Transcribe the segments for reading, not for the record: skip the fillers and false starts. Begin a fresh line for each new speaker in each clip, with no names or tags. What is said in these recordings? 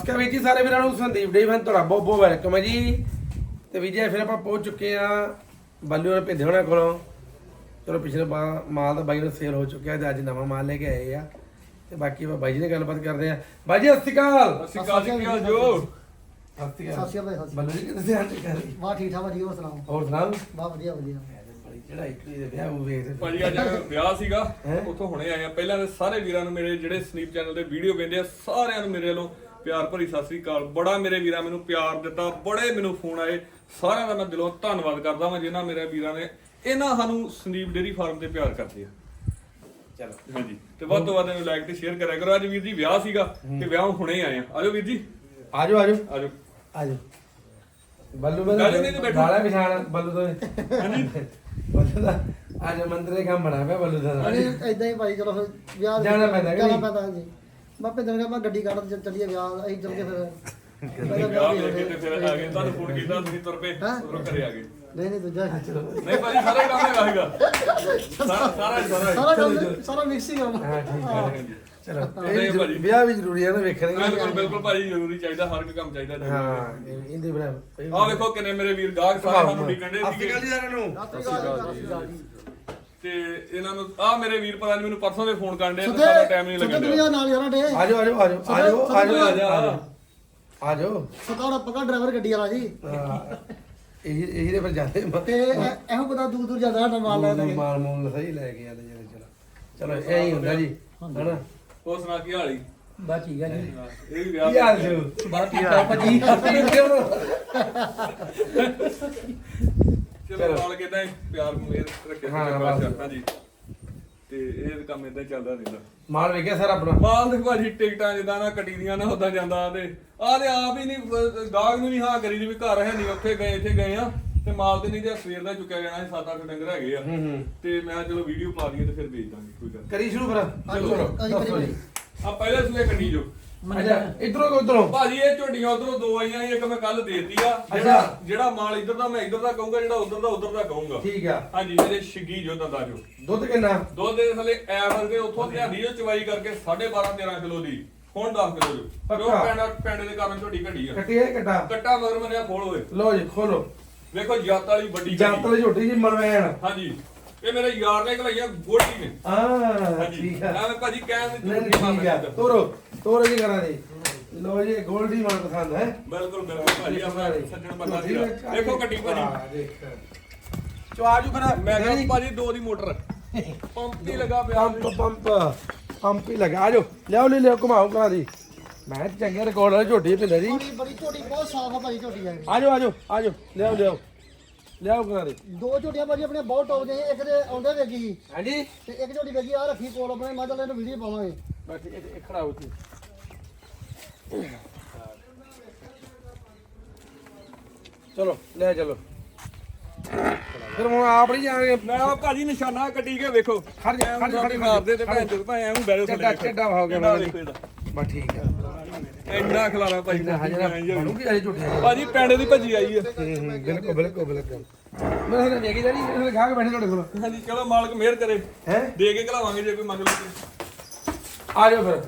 ਕਿ ਵੀਰ ਜੀ ਸਾਰੇ ਵੀਰਾਂ ਨੂੰ ਸੰਦੀਪ ਡੇ ਫਨ ਤੁਹਾਡਾ ਬਹੁਤ ਬਹੁਤ ਵੈਲਕਮ ਹੈ ਜੀ। ਤੇ ਵੀਰ ਜੀ ਫਿਰ ਆਪਾਂ ਪਹੁੰਚ ਚੁੱਕੇ ਆ ਬੱਲੂ ਨੇ ਭੇਜੇ ਹੋਣਾ ਕੋਲੋਂ। ਚਲੋ ਪਿਛਲੇ ਮਾਲ ਤਾਂ ਬਾਈ ਨੂੰ ਸੇਲ ਹੋ ਚੁੱਕਿਆ ਤੇ ਅੱਜ ਨਵਾਂ ਮਾਲ ਲੈ ਕੇ ਆਏ ਆ। ਤੇ ਬਾਕੀ ਆਪਾਂ ਬਾਈ ਜੀ ਨਾਲ ਗੱਲਬਾਤ ਕਰਦੇ ਆ। ਬਾਈ ਜੀ ਸਤਿ ਸ਼੍ਰੀ ਅਕਾਲ।
ਸਤਿ ਸ਼੍ਰੀ ਅਕਾਲ ਜੀ, ਕੀ ਹਾਲ ਜੋ?
ਸਤਿ ਸ਼੍ਰੀ ਅਕਾਲ ਬੱਲੂ ਜੀ ਕਿੱਥੇ ਆ ਜੀ?
ਵਾਹ ਠੀਕ ਠਾਕ ਵਧੀਆ, ਹੋਰ ਸੁਣਾਓ?
ਹੋਰ ਸੁਣਾਓ।
ਵਾਹ ਵਧੀਆ ਵਧੀਆ।
ਜਿਹੜਾ ਇੱਕ ਦੇ ਵਿਆਹ ਉਹ ਵੇਖਦੇ
ਭਾਜੀ ਅੱਜ ਵਿਆਹ ਸੀਗਾ, ਉੱਥੋਂ ਹੁਣੇ ਆਏ ਆ। ਪਹਿਲਾਂ ਤੇ ਸਾਰੇ ਵੀਰਾਂ ਨੂੰ ਮੇਰੇ ਜਿਹੜੇ ਸਨੀਪ ਚੈਨਲ ਤੇ ਵੀਡੀਓ ਵੇਖਦੇ ਆ ਸਾਰਿਆਂ ਨੂੰ ਮੇਰੇ ਵੱਲੋਂ ਪਿਆਰ ਭਰੀ ਸਤਿ ਸ੍ਰੀ ਅਕਾਲ। ਬੜਾ ਮੇਰੇ ਵੀਰਾਂ ਮੈਨੂੰ ਪਿਆਰ ਦਿੱਤਾ, ਬੜੇ ਮੈਨੂੰ ਫੋਨ ਆਏ, ਸਾਰਿਆਂ ਦਾ ਮੈਂ ਦਿਲੋਂ ਧੰਨਵਾਦ ਕਰਦਾ ਹਾਂ ਜਿਨ੍ਹਾਂ ਮੇਰੇ ਵੀਰਾਂ ਨੇ ਇਹਨਾਂ ਸਾਨੂੰ ਸਨੀਪ ਡੇਅਰੀ ਫਾਰਮ ਤੇ ਪਿਆਰ ਕਰਦੇ ਆ।
ਚਲੋ
ਹਾਂਜੀ, ਤੇ ਵੱਧ ਤੋਂ ਵੱਧ ਇਹਨੂੰ ਲਾਈਕ ਤੇ ਸ਼ੇਅਰ ਕਰਿਆ ਕਰੋ। ਅੱਜ ਵੀਰ ਜੀ ਵਿਆਹ ਸੀਗਾ ਤੇ ਵਿਆਹ ਹੁਣੇ ਆਏ ਆ। ਆਜੋ ਵੀਰ ਜੀ,
ਆਜੋ ਆਜੋ
ਆਜੋ
ਆਜੋ। ਬੱਲੂ ਮੈਂ ਗਾਲਾ ਵਿਛਾਣ ਬੱਲੂ ਤੋਂ ਬੱਲੂ ਦਾ ਅੱਜ ਮੰਦਰੇ ਕੰਮ ਬਣਾ ਪਿਆ ਬੱਲੂ ਦਾ।
ਇਦਾਂ ਹੀ ਭਾਈ ਚਲੋ ਫਿਰ ਵਿਆਹ
ਜਾਣਾ ਪੈਂਦਾ
ਹਾਂਜੀ। ਮੈਂ ਭੇਜਣ ਗਿਆ, ਮੈਂ ਗੱਡੀ ਕੱਢ ਚੱਲੀਏ ਵਿਆਹ। ਅਸੀਂ ਚੱਲ ਕੇ ਫਿਰ
ਵਿਆਹ ਵੇਖ ਕੇ ਤੇ ਫਿਰ ਆ ਗਏ। ਤੁਹਾਨੂੰ ਫੋਨ ਕੀਤਾ, ਤੁਸੀਂ ਤੁਰ ਪਏ, ਉਧਰੋਂ ਘਰੇ ਆ ਗਏ।
ਨਹੀਂ ਦੂਜਾ
ਨਹੀਂ ਭਾਜੀ ਸਾਰਾ ਕੰਮ ਹੈਗਾ ਸੀਗਾ,
ਸਾਰਾ ਮਿਕਸ ਹੀ ਕਰਨਾ।
ਹਾਂ ਠੀਕ ਹੈ ਚਲੋ
ਨਹੀਂ ਭਾਜੀ।
ਵਿਆਹ ਵੀ ਜ਼ਰੂਰੀ ਹੈ ਨਾ ਵੇਖਣੇ।
ਬਿਲਕੁਲ ਬਿਲਕੁਲ ਭਾਜੀ, ਜ਼ਰੂਰੀ ਚਾਹੀਦਾ, ਹਰ ਇੱਕ ਕੰਮ ਚਾਹੀਦਾ।
ਹਾਂ ਇਹਦੇ ਬਣਾ
ਆਹ ਵੇਖੋ ਕਿੰਨੇ ਮੇਰੇ ਵੀਰ ਗਾਹਕ ਸਾਰੇ ਸਾਨੂੰ ਵਿਕਣ ਦੇ ਸੀਗੇ। ਤੇ ਇਹਨਾਂ ਨੂੰ ਆਹ ਮੇਰੇ ਵੀਰ ਪਤਾ ਨਹੀਂ ਮੈਨੂੰ ਪਰਸੋਂ ਦੇ ਫੋਨ ਕਰਨ ਦੇ, ਸਾਡਾ ਟਾਈਮ ਨਹੀਂ ਲੱਗਣ
ਦੁਨੀਆ ਨਾਲ ਯਾਰਾਂ ਡੇ।
ਆਜੋ ਆਜੋ ਆਜੋ ਆਜੋ ਆਜੋ ਆਜੋ।
ਸਕਾੜਾ ਪਕਾ ਡਰਾਈਵਰ ਗੱਡੀ ਵਾਲਾ ਜੀ।
ਇਹਦੇ ਪਰ ਜਾਂਦੇ
ਤੇ ਇਹੋ ਬੰਦਾ ਦੂਰ ਦੂਰ ਜਾਂਦਾ ਸਾਡਾ ਮਾਲ ਲੈ ਕੇ।
ਮਾਲ ਮੂਲ ਸਹੀ ਲੈ ਕੇ ਆਦੇ ਜਿਹੜੇ। ਚਲੋ ਇਹ ਹੀ ਹੁੰਦਾ ਜੀ ਹਨਾ।
ਹੋਰ ਸੁਣਾ ਕੀ ਹਾਲ ਈ?
ਬਸ ਠੀਕ ਹੈ ਜੀ।
ਇਹ ਵੀ ਵਿਆਹ
ਕੀ ਹਾਲ ਜੀ?
ਬਸ ਠੀਕ ਹੈ ਭਾਜੀ।
ਚਲੋ ਨਾਲ ਕਿਦਾਂ ਪਿਆਰ ਮੇਰ ਰੱਖਿਆ ਹਾਂਜੀ। ਤੇ ਇਹ ਕੰਮ ਇਦਾਂ ਚੱਲਦਾ ਰਹਿੰਦਾ।
ਮਾਲ ਵੇਖਿਆ ਸਰ ਆਪਣਾ?
ਮਾਲ ਦੇ ਭਾਜੀ ਟਿਕਟਾਂ ਜਿੱਦਾਂ ਨਾ ਕੱਟੀ ਦੀਆਂ ਨਾ ਉਦਾਂ ਜਾਂਦਾ। ਤੇ ਆਹ ਤੇ ਆਪ ਹੀ ਨਹੀਂ ਗਾਹਕ ਨੂੰ ਨਹੀਂ ਹਾਂ ਕਰੀ ਦੀ ਵੀ ਘਰ ਹੈ ਨਹੀਂ, ਉੱਥੇ ਗਏ ਇੱਥੇ ਗਏ ਆ। ਤੇ ਮਾਲ ਤੇ ਨਹੀਂ ਤੇ ਸਵੇਰ ਦਾ ਚੁੱਕਿਆ ਜਾਣਾ ਸੀ, 7-8 ਡੰਗਰ ਹੈਗੇ ਆ। ਤੇ ਮੈਂ ਚਲੋ ਵੀਡੀਓ ਪਾ ਦਈਏ ਤੇ ਫਿਰ ਵੇਚ ਦਾਂਗੇ, ਕੋਈ ਗੱਲ
ਕਰੀ ਸ਼ੁਰੂ ਫਿਰ। ਚਲੋ
ਆ ਪਹਿਲੇ ਸੂਏ ਕੱਢੀ ਜੋ।
ਅੱਛਾ ਇਧਰੋਂ ਉਧਰੋਂ
ਭਾਜੀ ਇਹ ਝੋਟੀਆਂ ਉਧਰੋਂ ਦੋ ਆਈਆਂ, ਇੱਕ ਮੈਂ ਕੱਲ ਦੇਤੀ ਆ। ਜਿਹੜਾ ਮਾਲ ਇੱਧਰ ਦਾ ਮੈਂ ਇੱਧਰ ਦਾ ਕਹੂੰਗਾ, ਜਿਹੜਾ ਉਧਰ ਦਾ ਕਹੂੰਗਾ।
ਠੀਕ ਆ।
ਹਾਂਜੀ ਮੇਰੇ ਛਿੱਗੀ ਜੋ ਦੰਦਾ ਜੋ।
ਦੁੱਧ ਕਿੰਨਾ?
ਦੁੱਧ ਦੇ ਥੱਲੇ ਐਵਰ ਦੇ ਉੱਥੋਂ ਲਿਆਂਦੀ ਜੋ ਚਵਾਈ ਕਰਕੇ 12.5-13 ਕਿਲੋ ਦੀ, ਹੁਣ 10 ਕਿਲੋ ਜੋ। ਕਿਉਂ ਪੈਂਡੇ ਦੇ ਕਾਰਨ ਝੋਟੀ ਘਟੀ ਆ।
ਕੱਟੀ ਹੈ ਕੱਟਾ?
ਕੱਟਾ ਮਗਰ ਮੰਨਿਆ ਖੋਲ ਹੋਏ।
ਲੋ ਜੀ ਖੋਲੋ।
ਵੇਖੋ ਜੱਤ ਵਾਲੀ ਵੱਡੀ
ਜੱਤ ਵਾਲੀ ਝੋਟੀ ਜੀ ਮਲਵੈਣ।
ਹਾਂਜੀ ਇਹ ਮੇਰੇ ਯਾਰ ਨੇ ਘਲਾਈਆਂ ਗੋਲਡੀ ਨੇ।
ਹਾਂ ਠੀਕ ਆ।
ਐਵੇਂ ਭਾਜੀ ਕਹਿਣ ਦੀ
ਨਹੀਂ ਠੀਕ ਆ। ਤੋਰੋ ਜੀ ਕਰਾਂ ਜੀ। ਲੋ ਜੀ ਗੋਲਡੀ ਮਾਨ ਪਸੰਦ ਹੈ।
ਬਿਲਕੁਲ ਬਿਲਕੁਲ ਭਾਜੀ ਆਪਣਾ ਸੱਜਣ ਬੰਦਾ ਸੀਗਾ। ਦੇਖੋ ਕੱਟੀ ਭਾਜੀ
ਦੇਖ ਚਵਾਜੂ ਕਰਾ।
ਮੈਂ ਕਿਹਾ ਭਾਜੀ 2 ਦੀ ਮੋਟਰ ਪੰਪ ਹੀ ਲਗਾ ਪਿਆ।
ਪੰਪ ਹੀ ਲਗਾ। ਆਜੋ ਲਿਆਓ ਘੁਮਾਓ ਕਰਾ ਦੀ। ਮੈਂ ਚੰਗੇ ਰਿਕਾਰਡ ਵਾਲੀ ਝੋਟੀ ਪਿੰਦੇ ਜੀ।
ਬੜੀ ਝੋਟੀ ਬਹੁਤ ਸਾਫ ਆ ਭਾਜੀ ਝੋਟੀ ਆ।
ਆਜੋ ਲਿਆਓ ਕਰਾ ਦੀ।
2 ਝੋਟੀਆਂ ਭਾਜੀ ਆਪਣੇ ਬਹੁਤ ਟੌਪ ਦੀਆਂ। ਇੱਕ ਦੇ ਆਉਂਦੇ ਵੇਗੀ
ਹਾਂਜੀ
ਤੇ ਇੱਕ ਝੋਟੀ ਵੇਗੀ ਆ ਰੱਖੀ ਕੋਲ ਆਪਣੇ। ਮੈਂ ਚੱਲ ਇਹਨੂੰ ਵੀਡੀਓ ਪਾਵਾਂਗੇ।
ਬਸ ਇਹ ਖੜਾ ਹੋ ਤੂੰ। ਚਲੋ ਲੈ ਚਲੋ ਫਿਰ ਹੁਣ ਆਪ ਨਹੀਂ ਜਾਣਗੇ।
ਮੈਂ ਆ ਭਾਜੀ ਨਿਸ਼ਾਨਾ ਕੱਟੀ ਕੇ ਵੇਖੋ।
ਖੜ
ਮਾਰਦੇ ਤੇ ਭੈਣ ਚੋਦ ਭਾਵੇਂ ਐਵੇਂ ਬੈਰੋ
ਚੱਡਾ ਹੋ ਗਿਆ ਬਸ ਠੀਕ ਆ।
ਇੰਨਾ ਖਲਾਰਾ ਭਾਜੀ
ਬਣੂਗੀ ਅਜੇ ਝੂਠੇ
ਭਾਜੀ ਪੈਂਡੇ ਦੀ ਭੱਜੀ ਆਈ ਹੈ।
ਬਿਲਕੁਲ ਮੈਂ ਤਾਂ ਵੇਖੀ ਜਾਨੀ ਇਹਨੇ ਖਾ ਕੇ ਬੈਠੇ ਤੁਹਾਡੇ ਕੋਲ।
ਹਾਂਜੀ ਚਲੋ ਮਾਲਕ ਮਿਹਰ ਕਰੇ,
ਹੈ
ਦੇ ਕੇ ਘਲਾਵਾਂਗੇ ਜੇ ਕੋਈ ਮੰਗ ਲਵੇ।
ਆ ਜਾਓ ਫਿਰ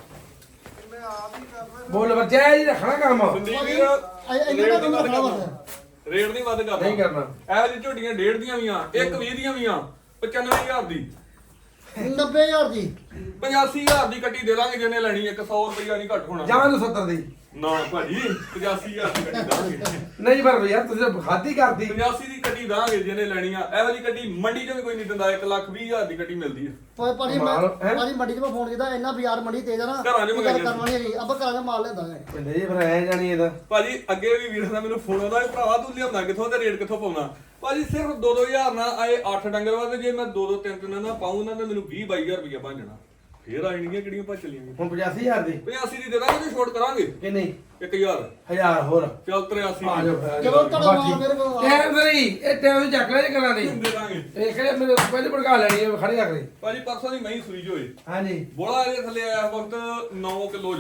ਬੋਲ ਬੱਚਾ ਜੀ ਰੱਖਣਾ ਕੰਮ
ਸੰਦੀਪ ਵੀਰ
ਇਹਨਾਂ ਦਾ ਕੰਮ ਖਰਾਬ ਆ।
ਰੇਟ ਨਹੀਂ ਵੱਧ ਕਰਨਾ।
ਨਹੀਂ ਕਰਨਾ।
ਇਹੋ ਜਿਹੀ ਝੋਟੀਆਂ 1.5 ਦੀਆਂ ਵੀ ਆ, ਇੱਕ 20 ਦੀਆਂ ਵੀ ਆ, 95,000 ਦੀ,
90,000 ਦੀ,
85,000 ਦੀ ਕੱਟੀ ਦੇ ਦਾਂਗੇ ਜਿਹਨੇ ਲੈਣੀ। 100 ਰੁਪਇਆ ਨਹੀਂ ਘੱਟ ਹੋਣਾ।
ਜਾਂ ਨੂੰ 70 ਦੀ।
ਨਾ ਭਾਜੀ 85,000 ਦੀ ਕੱਟੀ ਦਾਂਗੇ।
ਨਹੀਂ ਪਰ ਯਾਰ ਤੁਸੀਂ ਖਾਦੀ ਕਰਦੀ।
85 ਦੀ ਕੱਟੀ ਦਾਂਗੇ ਜਿਹਨੇ ਲੈਣੀ ਆ। ਇਹੋ ਜਿਹੀ ਕੱਟੀ ਮੰਡੀ 'ਚ ਵੀ ਕੋਈ ਨਹੀਂ ਦਿੰਦਾ। 1,20,000 ਦੀ ਕੱਟੀ ਮਿਲਦੀ ਹੈ।
ਭਾਜੀ ਮੰਡੀ 'ਚ ਮੈਂ ਫੋਨ ਕੀਤਾ, ਇੰਨਾ ਬਾਜ਼ਾਰ ਮੰਡੀ ਤੇਜ਼ ਆ ਨਾ।
ਘਰਾਂ 'ਚ ਮੰਗਾਈ
ਕਰਵਾਣੀ ਹੈਗੀ ਆਪਾਂ ਘਰਾਂ ਦਾ ਮਾਲ ਲੈਂਦਾ ਹੈ।
ਕਹਿੰਦੇ ਜੀ ਫਿਰ ਐ ਜਾਣੀ ਇਹਦਾ।
ਭਾਜੀ ਅੱਗੇ ਵੀ ਵੀਰਾਂ ਦਾ ਮੈਨੂੰ ਫੋਨ ਆਉਂਦਾ ਭਰਾਵਾ ਤੂੰ ਲਿਆਉਂਦਾ ਕਿੱਥੋਂ ਤੇ ਰੇਟ ਕਿੱਥੋਂ ਪਾਉਣਾ। ਭਾਜੀ ਸਿਰਫ 2-2000 ਨਾਲ ਆਏ 8 ਡੰਗਰ ਵਾਸਤੇ। ਜੇ ਮੈਂ 2-3 ਨਾਲ ਪਾਉਂ ਨਾ ਤਾਂ ਮੈਨੂੰ 20-22,000 ਰੁਪਇਆ ਬਣ ਜਾਣਾ। ਫੇਰ ਆਣਗੀਆਂ ਕਿਹੜੀਆਂ ਭੱਜ ਚਲੀਆਂ।
ਹੁਣ 85,000 ਦੀ
85 ਦੀ ਦੇ ਦਾਂਗੇ ਤੇ ਛੋਟ ਕਰਾਂਗੇ।
ਕਿ ਨਹੀਂ
1000
1000 ਹੋਰ
ਚੱਲ 83
ਆ ਜਾਓ ਫਿਰ।
ਚਲੋ ਤੁਹਾਡਾ ਮਾਲ ਮੇਰੇ ਕੋਲ ਆ।
ਟਾਈਮ ਸਰੀ ਇਹ ਟਾਈਮ ਚੱਕ ਲੈ ਜੇ ਕਰਾਂ ਦੀ
ਦੇ ਦਾਂਗੇ।
ਇਹ ਕਿਹੜੇ ਮੇਰੇ ਪਹਿਲੇ ਭੜਕਾ ਲੈਣੀ ਹੈ ਖੜੀ ਰੱਖ ਦੇ।
ਭਾਜੀ ਪਰਸੋਂ ਦੀ ਮਹੀਂ ਸੂਈ ਜੋ ਹੋਏ
ਹਾਂਜੀ
ਬੋਲਾ ਇਹਦੇ ਥੱਲੇ ਆਇਆ ਵਕਤ 9 ਕਿਲੋ ਜੋ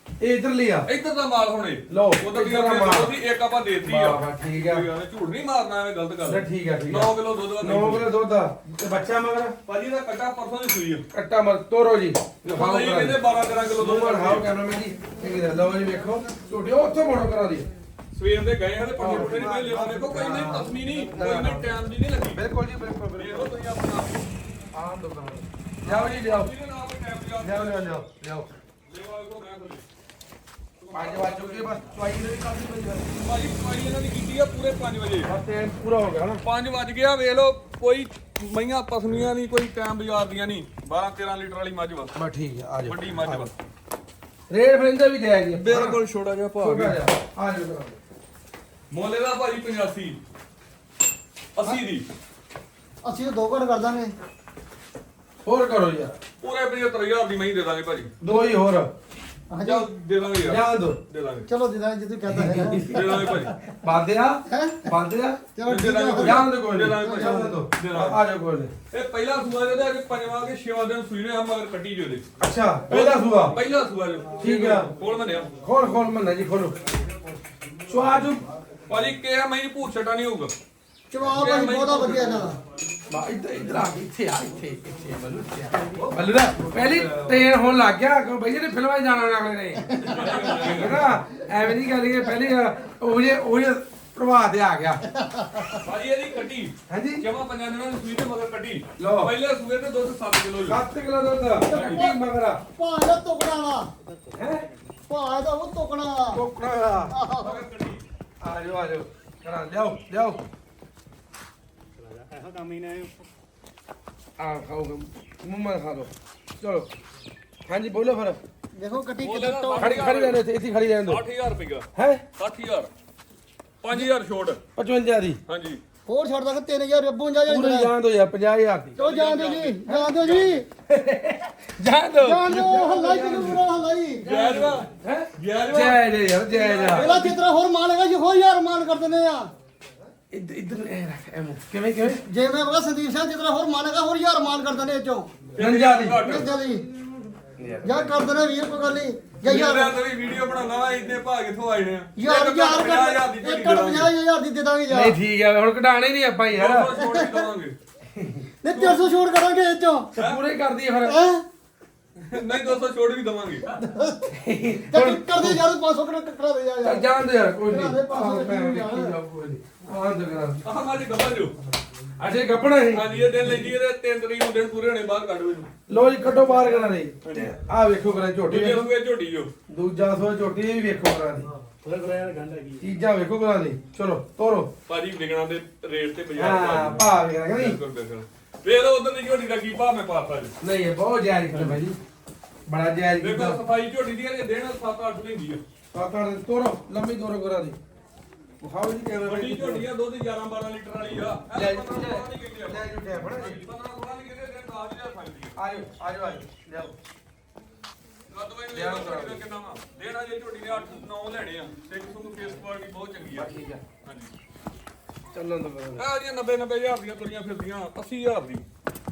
ਇਹ ਇਧਰ ਲਿਆ
ਇੱਧਰ ਦਾ ਮਾਲ ਹੁਣੇ
ਲਓ,
ਉਧਰ ਦੀ
ਇੱਧਰ ਦਾ ਮਾਲ।
ਉਹਦੀ ਇੱਕ ਆਪਾਂ ਦੇਤੀ ਆ
ਵਾਹ, ਠੀਕ ਆ।
ਕੋਈ ਗੱਲ ਨੀ, ਝੂਠ ਨਹੀਂ ਮਾਰਨਾ ਐਵੇਂ ਗਲਤ ਗੱਲ
ਲੈ ਠੀਕ ਆ
9 ਕਿਲੋ ਦੁੱਧ ਦਾ
9 ਕਿਲੋ ਦੁੱਧ ਆ ਤੇ ਬੱਚਾ ਮਗਰ
ਭਾਜੀ ਦਾ ਕੱਟਾ ਪਰਸੋਂ ਦੀ ਸੂਈ ਆ
ਕੱਟਾ ਮਰ ਤੋਰੋ ਜੀ
ਹਾਂ ਜੀ ਕਹਿੰਦੇ 12 13 ਕਿਲੋ ਦੁੱਧ
ਦੋਵਾਂ ਹਾਓ ਕੈਮਰਾਮੈਨ ਜੀ ਠੀਕ ਹੈ ਲਓ ਜੀ ਵੇਖੋ ਝੋਟੀ ਉਹ ਉੱਥੋਂ ਮੋੜੋ ਕਰਾ ਦੀ
ਸਵੇਰ ਦੇ ਗਏ ਹਾਂ ਤੇ ਪੱਠੇ ਪੁੱਠੇ ਨਹੀਂ ਕੋਈ ਲਿਆ ਦੇਖੋ ਕੋਈ ਨਹੀਂ ਤਸਮੀ ਨਹੀਂ ਕੋਈ ਨਹੀਂ ਟਾਈਮ ਦੀ ਨਹੀਂ ਲੱਗੀ
ਬਿਲਕੁਲ ਜੀ ਬਿਲਕੁਲ
ਦੇਖੋ ਤੁਸੀਂ ਆਪਣਾ
ਆਮ ਦੁਕਾਨ ਜਾਓ ਜੀ ਲਿਆਓ
ਇਹਦੇ ਨਾਲ ਕੋਈ ਟਾਈਮ ਦੀ
ਲਿਆਓ ਲਿਆਓ ਲਿਆਓ ਲਿਆਓ
ਲੈਵਾ ਕੋ ਮੈਂ ਖੋਲੀ
5 ਵਜੇ ਚੁੱਕੇ ਬਸ ਚੁਆਈ ਦੇ ਵੀ ਕਾਫੀ ਬਣ ਜਾਣੀ
ਭਾਜੀ ਸਵਾਈ ਇਹਨਾਂ ਦੀ ਕੀਤੀ ਆ ਪੂਰੇ 5 ਵਜੇ
ਬਸ ਟਾਈਮ ਪੂਰਾ ਹੋ ਗਿਆ ਨਾ
5 ਵਜ ਗਿਆ ਵੇਖ ਲਓ ਕੋਈ ਮਈਆਂ ਪਸਮੀਆਂ ਨਹੀਂ ਕੋਈ ਟਾਈਮ ਬਾਜ਼ਾਰ ਦੀਆਂ ਨਹੀਂ 12 13 ਲੀਟਰ ਵਾਲੀ ਮੱਝ ਵਾ
ਬਸ ਠੀਕ ਹੈ ਆ ਜਾਓ
ਵੱਡੀ ਮੱਝ ਵਾ
ਰੇਟ ਫਰਿੰਦਾ ਵੀ ਜਾਇਜ਼ ਜੀ
ਬਿਲਕੁਲ ਛੋਟਾ ਜਿਹਾ ਭਾਅ
ਛੋਟਾ
ਗਿਆ
ਜਿਹਾ ਆ ਜਾਓ ਕਰਾ ਦਿਓ।
ਮੋਲੇ ਦਾ ਭਾਜੀ 85 80 ਦੀ
ਅਸੀਂ ਤਾਂ 2 ਘੰਟੇ ਕਰ ਦਾਂਗੇ
ਹੋਰ ਕਰੋ ਯਾਰ
ਪੂਰੇ 75000 ਦੀ ਮਹੀਂ ਦੇ ਦਾਂਗੇ ਭਾਜੀ
ਦੋ ਹੀ ਹੋਰ
ਹਾਂਜੀ
ਜਾ ਦੇ ਦਾਂਗੇ ਯਾਰ
ਜਾਣ ਦੋ
ਦੇ ਦਾਂਗੇ
ਚਲੋ ਜਿੱਦਾਂ ਜਿੱਦ ਕਹਿੰਦਾ ਹੈ
ਦੇ ਦਾਂਗੇ ਭਾਜੀ
ਬਾਦਿਆ
ਹੈਂ?
ਬਾਦਿਆ
ਚਲੋ
ਦੇ
ਠੀਕ
ਦਾਂਗੇ
ਹੈ
ਜਾਣ ਦੋ ਕੋਈ
ਦੇ
ਨਹੀਂ
ਦਾਂਗੇ ਭਾਈ।
ਜਾਣ ਦੋ
ਦੇ ਦਾਂਗੇ।
ਆ ਜਾਓ ਕੋਈ ਨਹੀਂ
ਇਹ ਪਹਿਲਾ ਸੂਆ ਜਿਹਦਾ ਅੱਜ ਪੰਜਵਾਂ ਕੇ ਛੇਵਾਂ ਦਿਨ ਸੂਈ ਨੇ ਆ ਮਗਰ ਕੱਟੀ ਜੋ ਦੇ
ਅੱਛਾ ਪਹਿਲਾ ਸੂਆ
ਪਹਿਲਾ ਸੂਆ ਜੋ
ਠੀਕ ਆ।
ਕੋਲ ਮੰਨਿਆ
ਖੋਲ ਮੰਨਾ ਜੀ ਖੋਲੋ ਸਵਾਜ
ਭਾਜੀ ਕਿਹਾ ਮੈਂ ਭੂਤ ਛਟਾ ਨਹੀਂ ਹੋਊਗਾ
ਚਵਾ ਭਾਈ ਬਹੁਤਾ ਵਧੀਆ ਇਹਨਾਂ ਦਾ
ਬਾ ਇੱਧਰ ਆ ਇੱਥੇ ਆ ਇੱਥੇ ਬੱਲੂ ਦਾ ਪਹਿਲੀ ਟ੍ਰੇਨ ਹੋਣ ਲੱਗ ਗਿਆ ਕਿ ਬਈ ਇਹਨੇ ਫਿਲਮਾਂ 'ਚ ਜਾਣਾ ਅਗਲੇ ਨੇ ਠੀਕ ਹੈ ਨਾ ਐਵੇਂ ਨਹੀਂ ਗੱਲ ਕਿ ਪਹਿਲੀ ਉਹ ਪ੍ਰਭਾਤ ਤੇ ਆ ਗਿਆ
ਭਾਜੀ ਇਹਦੀ ਕੱਟੀ
ਹਾਂਜੀ
ਜਮਾ ਪੰਜਾਂ ਦਿਨਾਂ ਦੀ ਸੂਈ ਤੇ ਮਗਰ ਕੱਟੀ
ਲਓ।
ਪਹਿਲੇ ਸੂਏ ਤੇ ਦੁੱਧ 7 ਕਿਲੋ
7 ਕਿਲੋ ਦੁੱਧ ਕਿੰਨੀ ਮਗਰਾ
ਭਾਅ ਦਾ ਟੁਕੜਾ ਵਾ
ਹੈ
ਭਾਅ ਦਾ ਉਹ ਟੁਕੜਾ ਵਾ
ਕੋਕੜਾ ਦਾ
ਮਗਰ ਕੱਟੀ
ਆ ਜਾਓ ਕਰਾ ਲਿਆਓ
ਇਹੋ ਕੰਮ ਹੀ ਨੇ
ਆ ਖਾਓ ਮੂੰਹ ਮਾ ਖਾ ਲਓ ਚਲੋ ਹਾਂਜੀ ਬੋਲੋ ਫਿਰ
ਦੇਖੋ ਕੱਟੀ
ਬੋਲੇ
ਕਿੱਦਾਂ
ਨਾ
ਟੌਪ
ਖੜੀ ਰਹਿਣ ਇੱਥੇ ਖੜੀ ਰਹਿਣ ਦੋ
60000 ਰੁਪਇਆ
ਹੈ
60000 5000 ਛੋਟ
55 ਦੀ
ਹਾਂਜੀ
ਹੋਰ ਛੱਡ ਦਾਂਗੇ 3000 52
ਪੂਰੀ
ਹਜ਼ਾਰ
ਜਾਣ ਦੋ ਯਾਰ 50000 ਦੀ
ਚਲੋ ਜਾਣ ਦਿਓ ਜੀ ਜਾਣ ਦਿਓ ਜੀ
ਜਾਣ ਦੋ
ਜਾਣ ਦਿਓ ਹੱਲਾ ਹੀ ਕਿਨੂੰ ਪੂਰਾ ਹੱਲਾ ਹੀ
ਜੈ ਜਵਾ
ਹੈ
ਜੈ
ਜੈ ਯਾਰ ਜੈ
ਪਹਿਲਾਂ ਜਿਤਨਾ ਹੋਰ ਮਾਨ ਹੈਗਾ ਜੀ ਹੋਰ ਯਾਰ ਮਾਨ ਕਰ ਦਿੰਦੇ ਆ
ਇੱਧਰ ਇਹ ਰੱਖ ਐਮੋ ਕਿਵੇਂ ਜੇ
ਮੈਂ ਬਗਾ ਸੰਦੀਪ ਸਿੰਘ ਜਿਤਨਾ ਹੋਰ ਮਾਨ ਹੈਗਾ ਹੋਰ ਯਾਰ ਮਾਨ ਕਰ ਦਿੰਦੇ ਇਹ ਚੋਂ
ਰੰਜਾ ਦੀ
ਜਲਦੀ ਜਾਂ ਕਰ ਦਿੰਦੇ ਵੀਰ ਕੋਈ ਗੱਲ ਨਹੀਂ ਜਾਂ ਯਾਰ
ਯਾਰ ਤੇ ਵੀਡੀਓ ਬਣਾਉਣਾ ਵਾ ਇੰਨੇ ਭਾਅ ਕਿੱਥੋਂ ਆਏ ਨੇ
ਯਾਰ
ਇੱਕ
ਯਾਰ
50,000 ਦੀ ਝੋਟੀ
50,000 ਦੀ ਦੇ ਦਾਂਗੇ ਯਾਰ
ਨਹੀਂ ਠੀਕ ਹੈ ਹੁਣ ਕਢਾਣੇ ਨਹੀਂ ਆਪਾਂ ਯਾਰ
200 ਛੋਟ ਵੀ ਦਵਾਂਗੇ
ਨਹੀਂ 300 ਛੋੜ ਕਰਾਂਗੇ ਇਹ ਚੋਂ
ਤੇ ਪੂਰੇ ਕਰ ਦਈਏ ਫਿਰ
ਹੈਂ?
ਨਹੀਂ 200 ਛੋਟ ਵੀ ਦਵਾਂਗੇ
ਚੱਲ ਕਰ ਦੇ ਯਾਰ 500 ਕਰਾ ਦੇ ਯਾਰ
ਚੱਲ ਜਾਣ ਦੇ ਯਾਰ ਕੋਈ ਨਹੀਂ
ਕਰਾ ਦੇ 500
ਮੈਂ
ਕਿਲੋ
ਵੇਖੀ
ਯਾਰ।
ਜਾਊ ਕੋਈ ਨਹੀਂ ਆਹ ਦੇ ਕਰਾ
ਆਹ ਮਾਜੀ ਗੱਬਾ ਜੋ
ਅੱਛੇ ਗੱਪਣਾ ਹੈ
ਹਾਂਜੀ ਇਹ ਦਿਨ ਲੈਂਦੀ ਇਹਦੇ 3 ਤਰੀਕ ਨੂੰ ਦਿਨ ਪੂਰੇ ਹੋਣੇ ਬਾਹਰ ਕੱਢ ਮੈਨੂੰ
ਲੋ ਜੀ ਕੱਢੋ ਬਾਹਰ ਕਰਾ ਦੇ ਆਹ ਵੇਖੋ ਕਰਾ ਝੋਟੀ
ਦੂਜੇ
ਵੇਖੋ
ਸੂਏ ਝੋਟੀ ਜੋ
ਦੂਜਾ ਸੋ ਝੋਟੀ ਇਹ ਵੀ ਵੇਖੋ ਕਰਾ ਦੀ
ਥੋੜਾ ਥੋੜਾ ਯਾਰ ਗੰਢ ਹੈਗੀ
ਚੀਜ਼ਾਂ ਵੇਖੋ ਕਰਾ ਦੀ ਚਲੋ ਤੋਰੋ
ਭਾਜੀ ਵਿਗਣਾ ਦੇ ਰੇਟ ਤੇ ਬਾਜ਼ਾਰ
ਹਾਂ ਭਾ ਵੇਖਣਾ ਕਿ ਨਹੀਂ
ਬਿਲਕੁਲ ਬਿਲਕੁਲ ਵੇਖ ਲਓ ਉਧਰ ਦੀ ਝੋਟੀ ਦਾ ਕੀ ਭਾਅ ਮੈਂ ਪਾਤਾ ਜੀ
ਨਹੀਂ ਇਹ ਬਹੁਤ ਜਾਇਜ਼ ਕੀਤਾ ਭਾਈ ਜੀ ਬੜਾ ਜਾਇਜ਼
ਦੇਖੋ
ਕੀਤਾ
ਸਫਾਈ ਝੋਟੀ ਦੀ ਜੇ ਦੇਣ 7-8 ਲੈਂਦੀ ਆ
ਪਾਪਾ ਦੇ ਤੋਰੋ ਲੰਮੀ ਤੋਰੋ ਕਰਾ ਦੀ ਵਿਖਾਓ ਜੀ ਕੈਮਰਾ
ਵੱਡੀ ਝੋਟੀ ਆ ਦੁੱਧ 11-12 ਲੀਟਰ ਵਾਲੀ ਆ
ਲੈ
15-16 ਨਹੀਂ ਕਹਿੰਦੇ
ਲੈ ਜੂ ਟੈਪ ਨਾ
15-16 ਨਹੀਂ ਕਹਿੰਦੇ ਦਿਨ 10000 ਖਾਂਦੀ ਆ
ਆਜੋ ਲਿਆਓ
ਰੱਦ ਵੇ ਲੈ ਝੋਟੀ ਦਾ ਕਿੰਨਾ ਵਾ ਦੇਣਾ ਜੇ ਝੋਟੀ ਨੇ 8-9 ਲੈਣੇ ਆ ਸਿੰਘ ਸੁੰਗ ਫੇਸ ਕੁਆਲਿਟੀ ਬਹੁਤ ਚੰਗੀ ਆ
ਠੀਕ ਹੈ
ਹਾਂਜੀ
ਚੱਲਣ ਦੋ
ਆ ਜੀ 90-90000 ਦੀਆਂ ਤੁਰੀਆਂ ਫਿਰਦੀਆਂ 80000 ਦੀ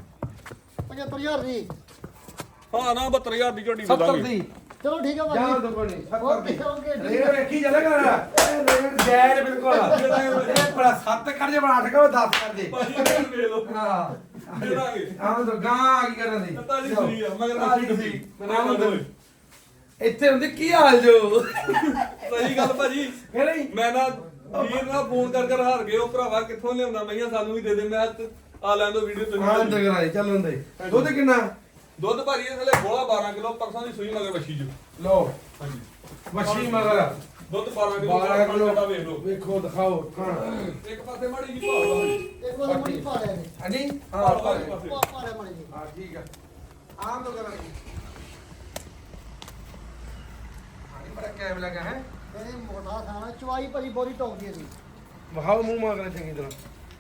75000 ਦੀ
ਹਾਂ ਨਾ 72000 ਦੀ ਝੋਟੀ ਦੇ
70
ਦਾਂਗੇ
ਦੀ
ਚਲੋ ਠੀਕ ਹੈ
ਜਾਣ
ਭਾਜੀ
ਦੋ ਕੋਈ ਨਹੀਂ 70 ਦੀ
ਓਕੇ
ਰੇਟ ਵੇਖੀ ਚੱਲੇ ਕਰ ਇਹ ਰੇਟ ਜਾਇਜ਼ ਬਿਲਕੁਲ ਇਹ ਬੜਾ 7 ਕਰ ਜੇ ਬਣਾ ਠਗਾ 10 ਕਰ ਦੇ
ਭਾਜੀ ਇਹ ਵੇਖ ਲਓ
ਹਾਂ
ਦੇ ਦਾਂਗੇ
ਆਹ ਤਾਂ ਗਾਂ ਕੀ ਕਰਨ ਦੀ
ਤਤਾ ਦੀ ਸੂਈ ਆ ਮਗਰ
ਤਾਜ਼ੀ
ਅਸੀਂ
ਸੂਈ।
ਡੱਬੀ ਮੈਂ ਨਾ
ਇੱਥੇ ਹੁੰਦੀ ਕੀ ਹਾਲ ਜੋ
ਸਹੀ ਗੱਲ ਭਾਜੀ
ਹੈ ਨਹੀਂ
ਮੈਂ ਨਾ ਵੀਰ ਨਾਲ ਫੋਨ ਕਰ ਹਾਰ ਗਏ ਉਹ ਭਰਾਵਾ ਕਿੱਥੋਂ ਲਿਆਉਂਦਾ ਮਈਆਂ ਸਾਨੂੰ ਵੀ ਦੇ ਦੇ ਮੈਂ ਆ ਲੈਣ ਦੋ ਵੀਡੀਓ
ਹਾਂ
ਤੁਸੀਂ
ਟਕਰਾਈ ਚੱਲਣ ਦੇ ਦੁੱਧ ਕਿੰਨਾ
ਦੁੱਧ ਭਾਜੀ ਇਹ ਥਲੇ ਬੋਲਾ 12 ਕਿਲੋ ਪਰਸੋਂ ਦੀ ਸੂਈ ਮਗਰ ਵੱਛੀ ਜੋ
ਲੋ
ਹਾਂਜੀ
ਵਸ਼ੀ ਮਗਰ
ਦੁੱਧ 12 ਕਿਲੋ
12 ਕਿਲੋ
ਵੇਖ ਲਓ
ਵੇਖੋ ਦਿਖਾਓ ਹਾਂ
ਇੱਕ ਪਾਸੇ ਮਾੜੀ ਜੀ ਭਾਅ
ਇੱਕ ਵਾਰ ਮੁੜੀ ਪਾ ਲਿਆ ਜੀ
ਹਾਂਜੀ
ਹਾਂ
ਹਾਂ
ਪਾਸੇ ਪਾਸੇ
ਪਾ ਲਿਆ ਮੜੀ ਜੀ
ਹਾਂ ਠੀਕ ਆ ਆਮ ਤੋਂ ਕਰਾਂਗੇ ਹਾਂ ਬੜਾ ਕੈਮ ਲਗਾ ਹੈ
ਇਹਨੇ ਮੋਟਾ ਖਾਣਾ ਚਵਾਈ ਭਾਜੀ ਬੋਰੀ ਟੌਪ ਦੀ ਇਹਦੀ
ਵਹਾਓ ਮੂੰਹ ਮਾਗਰੇ ਚੰਗੀ ਤਰ੍ਹਾਂ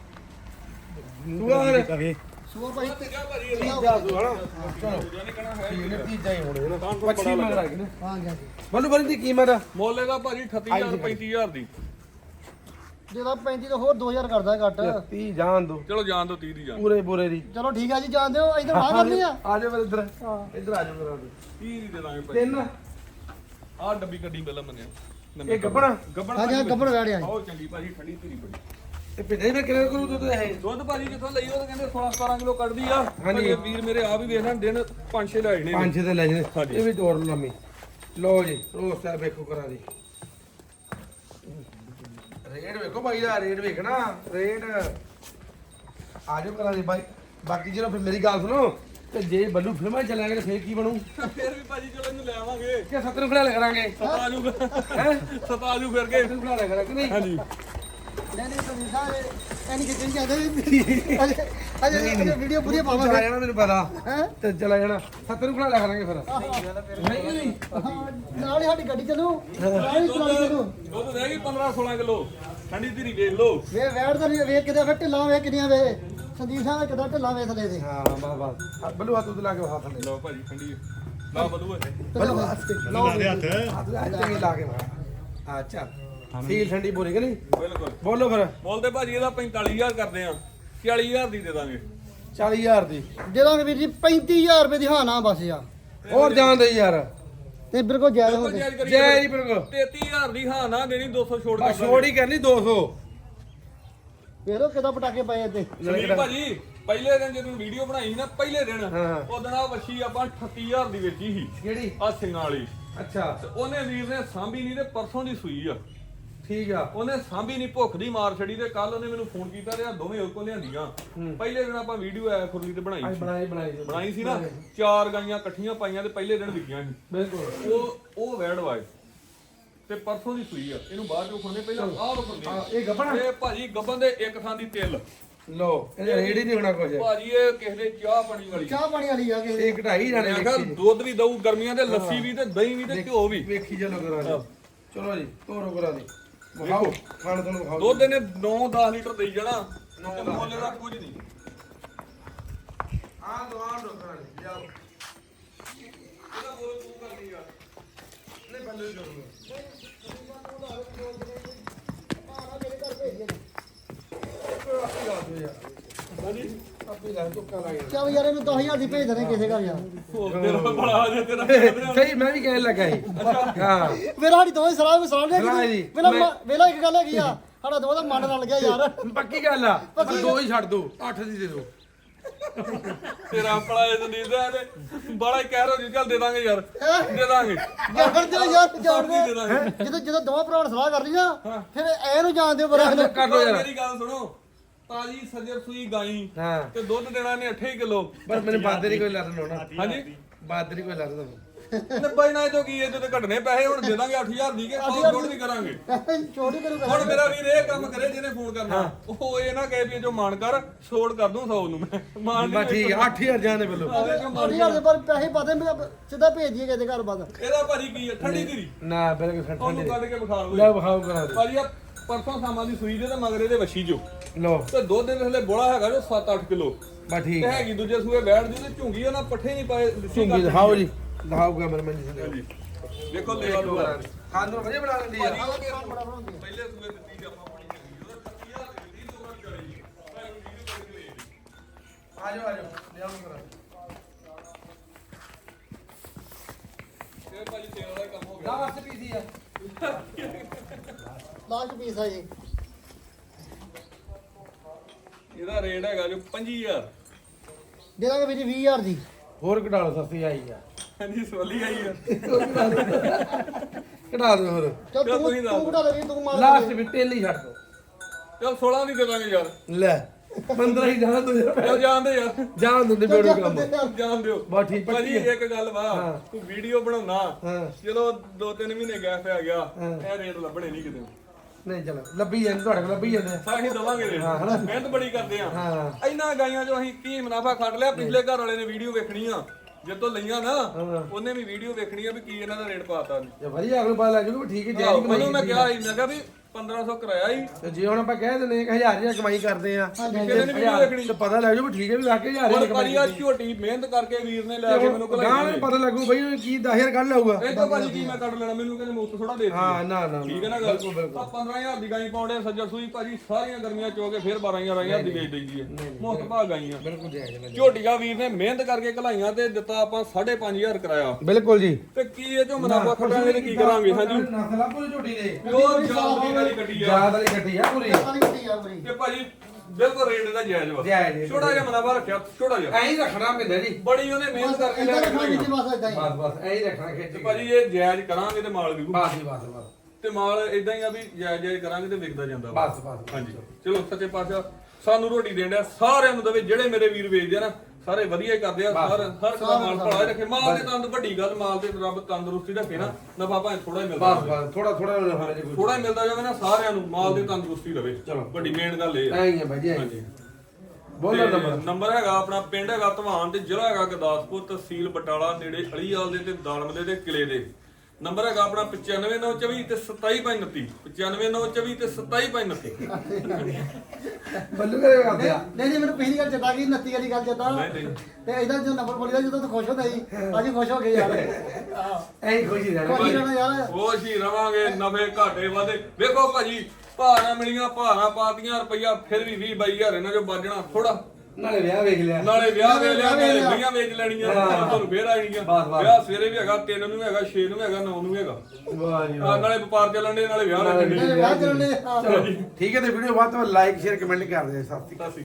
ਦੁਆਰ
ਕਵੇ
ਸੂਆ ਭਾਜੀ
ਕਿਆ ਭਾਜੀ ਇਹ
ਤੀਜਾ ਸੂ ਹਣਾ ਚਲੋ
ਜਾਨੀ ਕਹਣਾ ਹੈ
ਠੀਕ ਨੇ ਤੀਜਾ ਹੀ ਹੋਣੇ ਨਾ ਪੱਛੀ ਮਗਰ ਆ ਗਈ ਨਾ
ਹਾਂ ਜੀ
ਬੱਲੂ ਬਰੀ ਦੀ ਕੀਮਤ
ਮੋਲੇ ਦਾ ਭਾਜੀ 38000 35000 ਦੀ
ਜਿਹਦਾ 35 ਤੋਂ ਹੋਰ 2000 ਕਰਦਾ ਘੱਟ
30 ਜਾਣ ਦੋ
ਚਲੋ ਜਾਣ ਦੋ 30 ਦੀ ਜਾਣ
ਪੂਰੇ ਪੂਰੇ ਦੀ
ਚਲੋ ਠੀਕ ਆ ਜੀ ਜਾਣ ਦਿਓ ਇਧਰ ਆ ਕਰਨੀ ਆ
ਆ ਜਾਓ ਫਿਰ ਇੱਧਰ
ਹਾਂ
ਇੱਧਰ ਆ ਜਾਓ ਕਰਾ ਦੇ
30 ਦੀ ਦੇ ਦਾਂਗੇ ਭਾਜੀ
ਤਿੰਨ
ਆਹ ਡੱਬੀ ਗੱਡੀ ਪਹਿਲਾਂ ਮੰਨਿਆ
ਇਹ ਗੱਬਣਾ
ਗੱਬਣ
ਹਾਂਜੀ ਹਾਂ ਗੱਬੜ ਵੈੜ ਆ
ਬਹੁਤ ਚੰਗੀ ਭਾਜੀ ਠੰਡੀ ਧੀਰੀ ਬੜੀ
ਇਹ ਪਿੱਛੇ ਮੈਂ ਕਿਹੜੇ ਕਰੂ ਦੁੱਧ ਇਹ
ਦੁੱਧ ਭਾਜੀ ਜਿੱਥੋਂ ਲਈ ਉਹ ਤਾਂ ਕਹਿੰਦੇ 16-17 ਕਿਲੋ ਕੱਢਦੀ ਆ
ਹਾਂਜੀ।
ਭਾਜੀ ਵੀਰ ਮੇਰੇ ਆ ਵੀ ਵੇਖ ਲੈਣ ਦਿਨ 5-6 ਲੈ ਜਾਣੇ
ਪੰਜ ਛੇ ਤੇ ਲੈ ਜੇ
ਹਾਂਜੀ।
ਇਹ ਵੀ ਤੋੜ ਲੰਮੀ ਲਓ ਜੀ ਰੋਸ ਸਾਹਿਬ ਵੇਖੋ ਕਰਾ ਦੀ ਰੇਟ ਵੇਖੋ ਬਾਈ ਦਾ ਰੇਟ ਵੇਖਣਾ ਰੇਟ ਆਜੋ ਕਰਾ ਦੀ ਬਾਈ ਬਾਕੀ ਜਿਹੜਾ ਫਿਰ ਮੇਰੀ ਗੱਲ ਸੁਣੋ ਤੇ ਜੇ ਬੱਲੂ ਫਿਲਮਾਂ 'ਚ ਚੱਲਾਂਗੇ ਤੇ ਫੇਰ ਕੀ ਬਣੂ
ਫਿਰ ਵੀ ਭਾਜੀ ਚਲੋ ਇਹਨੂੰ ਲੈ ਆਵਾਂਗੇ
ਕਿ 70 ਨੂੰ ਖੜਾ ਲਿਆ ਕਰਾਂਗੇ
ਸਤਾਜੂ
ਹੈ
ਸਤਾਜੂ ਫਿਰ ਕੇ
70 ਨੂੰ ਖੜਾ ਲਿਆ ਕਰਾਂਗੇ ਨਹੀਂ
ਹਾਂਜੀ
ਨਹੀਂ ਸੰਦੀਪ ਸਾਹਿਬ ਐਨੀ ਕਿਤੇ ਜਾਂਦੇ ਅਜੇ ਵੀਡੀਓ ਪੂਰੀ
ਚਲਾ
ਪਾਵਾਂਗੇ
ਜਾਣਾ ਮੈਨੂੰ ਪਤਾ
ਹੈ
ਤੇ ਚਲਾ ਜਾਣਾ 70 ਨੂੰ ਖੜਾ ਲਿਆ ਕਰਾਂਗੇ ਫਿਰ ਨਹੀਂ ਨਹੀਂ
ਨਾਲ ਹੀ ਸਾਡੀ ਗੱਡੀ ਚੱਲੂ ਨਾਲ ਹੀ ਚਲਾਈ ਚੱਲੂ
ਦੁੱਧ ਰਹਿ ਗਈ 15-16 ਕਿਲੋ ਠੰਡੀ ਧੀਰੀ ਵੇਖ ਲਓ
ਵੇ ਵੈੜ ਦਾ ਨਹੀਂ ਵੇਖ ਕਿਤੇ ਫਿਰ ਢਿੱਲਾਂ ਵੇ ਕਿੰਨੀਆਂ ਵੇ ਸੰਦੀਪ ਸਾਹਿਬ ਕਿਦਾਂ ਢਿੱਲਾਂ ਵੇ ਥਲੇ ਦੇ
ਹਾਂ ਬਸ ਬੱਲੂ ਹੱਥ ਉੱਤੇ ਲਾ ਕੇ ਹੱਥ ਲੈ
ਲਓ ਭਾਜੀ ਠੰਡੀ ਲਾ ਬਦੂ
ਬੱਲੂ ਹੱਥ ਚੰਗੀ ਲਾ ਕੇ ਮਾਰ ਅੱਛਾ ਸੀਲ ਠੰਡੀ ਬੋਲੀ ਕਿ ਨਹੀਂ
ਬਿਲਕੁਲ
ਬੋਲੋ ਫਿਰ
ਬੋਲਦੇ ਭਾਜੀ ਇਹਦਾ 45000 ਕਰਦੇ ਆ 40000 ਦੀ ਦੇ ਦਾਂਗੇ
40000 ਦੀ
ਦੇਵਾਂਗੇ ਵੀਰ ਜੀ 35000 ਰੁਪਏ ਦੀ ਹਾਂ ਨਾ ਬਸ ਆ
ਹੋਰ ਜਾਣ ਦੇ ਯਾਰ
ਤੇ ਬਿਲਕੁਲ ਜਾਇਜ਼
ਬਿਲਕੁਲ
ਹੋਵੇ
ਜਾਇਜ਼ ਕਰੀਏ
ਜੈ ਜੀ ਬਿਲਕੁਲ
33000 ਦੀ ਹਾਂ ਨਾ ਦੇਣੀ 200 ਛੋੜ
ਬਸ ਛੋੜ ਹੀ ਕਰਨੀ 200
ਵੇਖ ਲਓ ਕਿਦਾਂ ਪਟਾਕੇ ਪਏ ਇੱਥੇ
ਸੁਨੀਲ ਭਾਜੀ ਪਹਿਲੇ ਦਿਨ ਜਦੋਂ ਵੀਡੀਓ ਬਣਾਈ ਸੀ ਨਾ ਪਹਿਲੇ ਦਿਨ
ਹਾਂ।
ਉਹ ਦਿਨ ਆ ਵੱਛੀ ਆਪਾਂ 38000 ਦੀ ਵੇਚੀ ਸੀ
ਕਿਹੜੀ
ਆ ਸਿੰਘਾਂ ਵਾਲੀ
ਅੱਛਾ
ਤੇ ਉਹਨੇ ਵੀਰ ਨੇ ਸਾਂਭੀ ਨਹੀਂ ਤੇ ਪਰਸੋਂ ਦੀ ਸੂਈ ਆ
ਠੀਕ ਆ
ਉਹਨੇ ਸਾਂਭੀ ਨਹੀਂ ਭੁੱਖ ਦੀ ਮਾਰ ਛੜੀ ਤੇ ਕੱਲ ਉਹਨੇ ਮੈਨੂੰ ਫੋਨ ਕੀਤਾ ਤੇ ਆ ਦੋਵੇਂ ਉਹ ਕੋ ਲਿਆਂਦੀਆਂ ਪਹਿਲੇ ਦਿਨ ਆਪਾਂ ਵੀਡੀਓ ਆਇਆ ਖੁਰਲੀ ਤੇ ਬਣਾਈ ਸੀ ਬਣਾਈ ਸੀ ਨਾ 4 ਗਾਈਆਂ ਇਕੱਠੀਆਂ ਪਾਈਆਂ ਤੇ ਪਹਿਲੇ ਦਿਨ ਵਿਕੀਆਂ ਸੀ
ਬਿਲਕੁਲ
ਉਹ ਵੈੜ ਵਾਏ ਤੇ ਪਰਸੋਂ ਦੀ ਸੂਈ ਆ ਇਹਨੂੰ ਬਾਅਦ ਚੋਂ ਖਾਣੇ ਪਹਿਲਾਂ ਆਹ ਰੁਕਦੇ
ਇਹ ਗੱਬਣਾ
ਇਹ ਭਾਜੀ ਗੱਬਨ ਦੇ ਇੱਕ ਥਾਂ ਦੀ ਤਿਲ
ਲੋ ਇਹ ਰੇਡ ਹੀ ਨਹੀਂ ਹੋਣਾ ਕੁਝ
ਭਾਜੀ ਇਹ ਕਿਸੇ ਦੇ ਚਾਹ ਪਾਣੀ ਵਾਲੀ
ਚਾਹ ਪਾਣੀ ਵਾਲੀ ਆ ਕੇ
ਇਹ ਘਟਾਈ ਜਾਣੇ
ਮੈਂ ਕਿਹਾ ਦੁੱਧ ਵੀ ਦਊ ਗਰਮੀਆਂ ਦੇ ਲੱਸੀ ਵੀ ਤੇ ਦਹੀਂ ਵੀ ਤੇ ਘਿਓ ਵੀ
ਵੇਖੀ ਚਲੋ ਕਰਾ ਦੇ ਚਲੋ ਜੀ ਤੋਰੋ ਕਰਾ ਦੇ ਵਿਖਾਓ ਖਾਣ ਤੁਹਾਨੂੰ ਵਿਖਾਓ
ਦੁੱਧ ਇਹਨੇ 9-10 ਲੀਟਰ ਦੇਈ ਜਾਣਾ ਤੇ ਮੁੱਲ ਦਾ ਕੁਝ ਨਹੀਂ
ਆ ਦੁਆਨ ਰੋਕਣਾ ਜੀ ਜਾਓ
ਇਹਦਾ ਮੁੱਲ ਤੂੰ ਕਰਨੀ ਆ
ਨਹੀਂ ਬੱਲੂ ਹੀ ਕਰੂਗਾ ਆਪੀ ਲਾ ਦਿਓ ਯਾਰ
ਹਾਂਜੀ
ਆਪੀ ਲਾ ਤੁੱਕਾ ਲਾ ਗਿਆ
ਚੱਲ ਯਾਰ ਇਹਨੂੰ 10000 ਦੀ ਭੇਜ ਦੇਣੇ ਕਿਸੇ ਘਰ ਯਾਰ
ਹੋਰ ਤੇਰਾ ਬੜਾ ਆ ਜੇ ਤੇਰਾ
ਸਹੀ ਮੈਂ ਵੀ ਕਹਿਣ ਲੱਗਾ ਸੀ ਹਾਂ
ਮੇਰਾ ਸਾਡੀ ਦੋਵੇਂ ਸਲਾਹ ਸਲਾਹ
ਸਲਾਹ
ਦੇ
ਜੀ।
ਵੇਲਾ ਇੱਕ ਗੱਲ ਹੈਗੀ ਆ ਸਾਡਾ ਦੋਵਾਂ ਦਾ ਮਨ ਰਲ ਗਿਆ ਯਾਰ
ਪੱਕੀ ਗੱਲ ਆ ਪਰ ਦੋ ਹੀ ਛੱਡ ਦੋ 8 ਦੀ ਦੇ ਦੋ
ਤੇਰਾ ਆਪਣਾ ਇਹ ਨਹੀਂ ਦਾ ਤੇ ਬੜਾ ਹੀ ਕਹਿ ਰੋ ਜੀ ਚੱਲ ਦੇ ਦਾਂਗੇ ਯਾਰ ਦੇ ਦਾਂਗੇ
ਜਾਣ ਦਿਓ ਯਾਰ ਜਾਣ
ਦੇ
ਦਿਓ
ਦਾਂਗੇ
ਜਦੋਂ ਦੋਵਾਂ ਭਰਾਵਾਂ ਨੇ ਸਲਾਹ ਕਰ ਲਈ ਨਾ ਫਿਰ ਐ ਨੂੰ ਜਾਣ ਦਿਓ ਬਰਾ
ਕਰ ਲੋ ਯਾਰ
ਮੇਰੀ ਗੱਲ ਸੁਣੋ ਤਾਜੀ ਸੱਜਰ ਸੂਈ ਗਾਈ
ਹਾਂ
ਤੇ ਦੁੱਧ ਦੇਣਾ ਨੇ 8 ਕਿਲੋ
ਬਸ ਮੈਨੂੰ ਬਾਦੇ ਨਹੀਂ ਕੋਈ ਲੜਨ ਹੋਣਾ
ਹਾਂਜੀ
ਬਾਦੇ ਨਹੀਂ ਕੋਈ ਲੜਦਾ
90 ਨਾਲ ਤੋਂ ਕੀ ਇਹ ਤੇ ਘਟਨੇ ਪੈਸੇ ਹੁਣ ਦੇ ਦਾਂਗੇ 8000 ਦੀ ਕੇ ਸੌ ਛੋੜ ਵੀ ਕਰਾਂਗੇ
ਛੋਟੀ ਕਰੂਗਾ
ਹੁਣ ਮੇਰਾ ਵੀਰ ਇਹ ਕੰਮ ਕਰੇ ਜਿਹਨੇ ਫੋਨ ਕਰਨਾ ਉਹ ਇਹ ਨਾ ਕਹੇ ਵੀ ਜੋ ਮਾਨ ਕਰ ਛੋੜ ਕਰ ਦੂੰ 100 ਨੂੰ ਮੈਂ ਮਾਨ
ਬਸ ਠੀਕ ਆ 8000 ਜਾਣੇ ਵੱਲੋਂ
ਸਾਡੀ ਘਰ ਦੇ ਪਰ ਪੈਸੇ ਪਾਦੇ ਸਿੱਧਾ ਭੇਜ ਦਈਏ ਕਿਸੇ ਘਰ ਬਾਦ
ਇਹਦਾ ਭਾਜੀ ਕੀ ਹੈ ਠੰਡੀ ਧੀਰੀ
ਨਾ ਬਿਲਕੁਲ
ਉਹਨੂੰ
ਠੰਡੇ
ਕੱਢ ਕੇ ਵਿਖਾ ਲਓ
ਲੈ ਵਿਖਾਓ ਕਰਾ ਦੇ
ਭਾਜੀ ਆ ਪਰਸੋਂ ਸਾਮਾਂ ਦੀ ਸੂਈ ਦੇ ਤੇ ਮਗਰੇ ਦੇ ਵੱਛੀ ਜੋ
ਲੋ
ਤੇ ਦੁੱਧ ਦੇ ਥੱਲੇ ਬੋਲਾ ਹੈਗਾ ਜੋ 7-8 ਕਿਲੋ
ਬਸ ਠੀਕ
ਤੇ
ਆ
ਹੈਗੀ ਦੂਜੇ ਸੂਏ ਬੈਠ ਦੀ ਤੇ ਝੁੰਗੀ ਉਹਨਾਂ ਪੱਠੇ ਨਹੀਂ ਪਾਏ ਲੱਸੀ
ਝੁੰਗੀ
ਕਰ
ਦਿਖਾਓ ਜੀ ਦਿਖਾਓ ਕੈਮਰਾ ਮੈਨ ਜੀ
ਹਾਂਜੀ ਦੇਖੋ ਲੈਵਾ ਲੂਆ
ਖਾਣ ਨੂੰ ਵਧੀਆ ਬਣਾ ਲੈਂਦੀ ਆ
ਪਹਿਲੇ ਸੂਏ ਦਿੱਤੀ ਤੇ ਆਪਾਂ ਪਾਣੀ ਚੰਗੀ ਉਹਦਾ 30000 ਦੀ ਦਿੱਤੀ ਤੋੜ ਚੜੀ ਭਾਈ ਵੀਡੀਓ ਕਰਕੇ ਲੈ
ਆਜੋ ਆਜੋ ਲਿਆਓ ਕਰਾ
ਇਹ ਭਾਜੀ ਤੇਲ ਦਾ ਕੰਮ ਹੋ ਗਿਆ
10 ਪੀਸੀ ਆ
ਲਾਸਟ ਪੀਸ ਆ ਜੀ
ਇਹਦਾ ਰੇਟ ਹੈਗਾ ਜੋ 25000
ਦੇ ਦਾਂਗੇ ਵੀਰ ਜੀ 20000 ਦੀ
ਹੋਰ ਘਟਾ ਲਓ ਸਸਤੀ ਆਈ ਆ
ਹਾਂਜੀ ਸਵਾਲੀ ਆਈ ਆ
ਘਟਾ ਦਿਓ ਹੋਰ
ਚੱਲ ਤੂੰ
ਤੁਸੀਂ ਦੱਸ
ਤੂੰ ਘਟਾ ਦੇ ਵੀਰ ਤੂੰ ਮਾਰ
ਲਾਸਟ ਵੀ ਤੇਲ ਹੀ ਛੱਡ ਦੋ
ਚਲ 16 ਦੀ ਦੇ ਦਾਂਗੇ ਯਾਰ
ਲੈ 15 ਹੀ ਜਾਣ ਦੋ ਯਾਰ
ਚਲ ਜਾਣਦੇ ਯਾਰ
ਜਾਣ ਦਿੰਦੇ ਬੇੜੂ ਕੰਮ
ਜਾਣ ਦਿਓ
ਬਸ ਠੀਕ
ਭਾਜੀ
ਪੱਕੀ
ਇੱਕ ਗੱਲ ਵਾ ਤੂੰ ਵੀਡੀਓ ਬਣਾਉਣਾ
ਹਾਂ
ਚਲੋ 2-3 ਮਹੀਨੇ ਗੈਪ ਆ ਗਿਆ ਇਹ ਰੇਟ ਲੱਭਣੇ ਨਹੀਂ ਕਿਤੇ
ਨਹੀਂ ਚਲੋ ਲੱਭੀ ਜਾਂਦੇ ਤੁਹਾਡੇ ਕੋਲ ਲੱਭੀ ਜਾਂਦੇ ਆ।
ਅਸੀਂ ਦਵਾਂਗੇ ਰੇਟ ਮਿਹਨਤ ਬੜੀ ਕਰਦੇ ਆ
ਹਾਂ
ਇੰਨਾ ਗਾਈਆਂ ਜੋ ਅਸੀਂ ਕੀ ਮੁਨਾਫਾ ਕੱਢ ਲਿਆ ਪਿਛਲੇ ਘਰ ਵਾਲੇ ਨੇ ਵੀਡੀਓ ਵੇਖਣੀ ਆ ਜਦੋਂ ਲਈਆਂ ਨਾ ਉਹਨੇ ਵੀ ਵੀਡੀਓ ਵੇਖਣੀ ਆ ਵੀ ਕੀ ਇਹਨਾਂ ਦਾ ਰੇਟ ਪਾਤਾ ਨੇ
ਜੇ ਵਧੀਆ ਅਗਲੇ ਪਤਾ ਲੱਗ ਜੂਗਾ ਵੀ ਠੀਕ ਹੈ
ਉਹਨੂੰ ਮੈਂ ਕਿਹਾ ਸੀ ਮੈਂ ਕਿਹਾ ਵੀ 1500 ਕਰਾਇਆ ਹੀ
ਤੇ ਜੇ ਹੁਣ ਆਪਾਂ ਕਹਿ ਦਿੰਦੇ ਕਿ 1000 ਦੀ ਕਮਾਈ ਕਰਦੇ ਆ
ਕਿਸੇ ਨੇ ਵੀਡੀਓ ਦੇਖਣੀ
ਤੇ ਪਤਾ ਲੱਗ ਜੂ ਵੀ ਠੀਕ ਹੈ ਵੀ ਵਾਕਈ 1000
ਹੁਣ
ਦੀ ਕਮਾਈ
ਕਰੀਆ ਝੋਟੀ ਮਿਹਨਤ ਕਰਕੇ ਵੀਰ ਨੇ ਲੈ ਕੇ ਮੈਨੂੰ
ਗਾਂ
ਘਲਾਈ
ਨੂੰ ਪਤਾ ਲੱਗੂ ਬਈ ਉਹ ਕੀ 10000 ਕੱਢ ਲਊਗਾ
ਇਹ ਤਾਂ ਭਾਜੀ ਕੀ ਮੈਂ ਕੱਢ ਲੈਣਾ ਮੈਨੂੰ ਕਹਿੰਦੇ ਮੁਫਤ ਥੋੜਾ ਦੇ ਦਿੱਤੀ
ਹਾਂ ਨਾ ਨਾ
ਠੀਕ ਹੈ ਨਾ ਗੱਲ ਆ 15000 ਦੀ ਗਾਈ ਪਾਉਂਦੇ ਸੱਜਰ ਸੂਈ ਭਾਜੀ ਸਾਰੀਆਂ ਗਰਮੀਆਂ ਚੋ ਕੇ ਫਿਰ 12000 ਦੀ ਵੇਚ ਦਈਦੀ ਹੈ ਮੁਫਤ ਭਾ ਗਾਈਆਂ
ਬਿਲਕੁਲ ਜਾਇਜ਼ ਹੈ
ਝੋਟੀਆਂ ਵੀਰ ਨੇ ਮਿਹਨਤ ਕਰਕੇ ਘਲਾਈਆਂ ਤੇ ਦਿੱਤਾ ਆਪਾਂ 5500 ਕਰਾਇਆ
ਬਿਲਕੁਲ ਜੀ
ਤੇ ਕੀ ਇਹ ਚੋਂ ਮੁਨਾਫਾ ਖਟਾਂਗੇ ਤੇ ਕੀ ਕਰਾਂਗੇ ਹਾਂਜੀ
ਨਸਲਾ ਪੂਰੀ ਝੋਟੀ ਦੇ
ਪਿਓਰ ਜਾਤ ਵਾਲੀ ਗੱਡੀ ਆ
ਯਾਦ ਵਾਲੀ ਗੱਡੀ ਆ ਪੂਰੀ
ਸਾਰੀ ਗੱਡੀ ਆ ਬਰੀ
ਤੇ ਭਾਜੀ ਬਿਲਕੁਲ ਰੇਟ ਦਾ ਜਾਇਜ਼ ਵਾ
ਜਾਇਜ਼ ਹੈ।
ਛੋਟਾ ਜਿਹਾ ਮੁਨਾਫਾ ਰੱਖਿਆ ਛੋਟਾ ਜਿਹਾ
ਐਂ ਹੀ ਰੱਖਣਾ ਪੈਂਦਾ ਜੀ
ਬੜੀ ਉਹਨੇ ਮਿਹਨਤ ਕਰਕੇ ਲੈ ਕੇ ਘਲਾਈਆਂ
ਬਸ ਇਦਾਂ ਹੀ
ਬਸ ਬਸ ਐਂ ਹੀ ਰੱਖਣਾ ਖਿੱਚ
ਤੇ
ਕੇ
ਭਾਜੀ ਇਹ ਜਾਇਜ਼ ਕਰਾਂਗੇ ਤੇ ਮਾਲ ਵਿਕੂ
ਬਸ ਜੀ ਬਸ ਬਸ
ਤੇ ਮਾਲ ਇਦਾਂ ਹੀ ਆ ਵੀ ਜਾਇਜ਼ ਜਾਇਜ਼ ਕਰਾਂਗੇ ਤੇ ਵਿਕਦਾ ਜਾਂਦਾ ਵਾ।
ਬਸ ਬਸ
ਹਾਂਜੀ ਚਲੋ ਸੱਚੇ ਪਾਤਸ਼ਾਹ ਸਾਨੂੰ ਰੋਟੀ ਦੇਣ ਡਿਆ ਸਾਰਿਆਂ ਨੂੰ ਦਵੇ ਜਿਹੜੇ ਮੇਰੇ ਵੀਰ ਵੇਚਦੇ ਆ ਨਾ ਸਾਰੇ ਵਧੀਆ ਹੀ ਕਰਦੇ ਆ ਹਰ ਇੱਕ ਦਾ ਮਾਲ ਭਲਾ ਰੱਖੇ ਮਾਲ ਦੇ ਤੰਦ ਵੱਡੀ ਗੱਲ ਮਾਲ ਤੇ ਰੱਬ ਤੰਦਰੁਸਤੀ ਰੱਖੇ ਨਾ ਨਫਾ ਭਾਵੇਂ ਥੋੜਾ ਹੀ ਮਿਲਦਾ
ਬਸ ਬਸ ਥੋੜਾ ਥੋੜਾ ਹੋਣਾ ਜੀ
ਥੋੜਾ ਹੀ ਮਿਲਦਾ ਜਾਵੇ ਨਾ ਸਾਰਿਆਂ ਨੂੰ ਮਾਲ ਦੀ ਤੰਦਰੁਸਤੀ ਰਵੇ
ਚਲੋ।
ਵੱਡੀ ਮੇਨ ਗੱਲ ਇਹ ਆ
ਐਂ ਹੀ ਹੈ ਭਾਈ ਜੀ ਐਂ ਹੀ।
ਹਾਂਜੀ
ਬੋਲੋ
ਤੇ
ਨੰਬਰ
ਨੰਬਰ ਹੈਗਾ ਆਪਣਾ ਪਿੰਡ ਹੈਗਾ ਧਵਾਨ ਤੇ ਜ਼ਿਲ੍ਹਾ ਹੈਗਾ ਗੁਰਦਾਸਪੁਰ ਤਹਿਸੀਲ ਬਟਾਲਾ ਨੇੜੇ ਅਲੀਵਾਲ ਦੇ ਤੇ ਦਾਲਮਦੇ ਦੇ ਕਿਲੇ ਦੇ ਨੰਬਰ ਹੈਗਾ ਆਪਣਾ 95924 ਤੇ 27529 95924 ਤੇ 27529
ਬੱਲੂ ਕਰੇ ਕਰਦੇ ਆ
ਨਹੀਂ ਮੈਨੂੰ ਪਹਿਲੀ ਗੱਲ ਚੇਤਾ ਗਈ 29 ਵਾਲੀ ਗੱਲ ਚੇਤਾ
ਨਹੀਂ ਨਹੀਂ
ਤੇ ਇਹਦਾ ਜੋ ਨੰਬਰ ਬੋਲੀਦਾ ਜਦੋਂ ਤੂੰ ਖੁਸ਼ ਹੁੰਦਾ ਸੀ ਅੱਜ ਹੀ ਖੁਸ਼ ਹੋ ਗਏ ਯਾਰ
ਐਂ ਹੀ ਖੁਸ਼ੀ ਰਹਿਣਾ
ਖੁਸ਼ ਰਹਿਣਾ ਯਾਰ
ਖੁਸ਼ ਹੀ ਰਵਾਂਗੇ ਨਫੇ ਘਾਟੇ ਵਾਦੇ ਵੇਖੋ ਭਾਜੀ ਭਾਰਾਂ ਮਿਲੀਆਂ ਭਾਰਾਂ ਪਾਤੀਆਂ ਰੁਪਈਆ ਫਿਰ ਵੀ 20-22000 ਇਹਨਾਂ ਚੋਂ ਵੱਜਣਾ ਥੋੜਾ
ਨਾਲੇ ਵਿਆਹ ਵੇਖ ਲਿਆ
ਨਾਲੇ ਵਿਆਹ ਵੇਚ ਲਿਆ ਨਾਲੇ ਵੀਆਂ ਵੇਚ ਲੈਣੀਆਂ ਤੁਹਾਨੂੰ ਫੇਰ ਆਣੀਆਂ
ਬਸ, ਬਸ।
ਵਿਆਹ ਸਵੇਰੇ ਵੀ ਹੈਗਾ 3 ਨੂੰ ਵੀ ਹੈਗਾ 6 ਨੂੰ ਵੀ ਹੈਗਾ 9 ਨੂੰ ਵੀ ਹੈਗਾ
ਵਾਹ ਜੀ ਵਾਹ।
ਨਾਲੇ ਵਪਾਰ ਚੱਲਣ ਦੇ ਨਾਲੇ ਵਿਆਹ ਲੱਗਣ ਦੇ
ਵਿਆਹ ਚੱਲਣੇ
ਚਲੋ ਠੀਕ ਹੈ ਤੇ ਵੀਡੀਓ ਬਾਅਦ ਤੋਂ ਲਾਈਕ ਸ਼ੇਅਰ ਕਮੈਂਟ ਕਰ ਦਿਓ ਸਤਿ ਸ਼੍ਰੀ ਅਕਾਲ।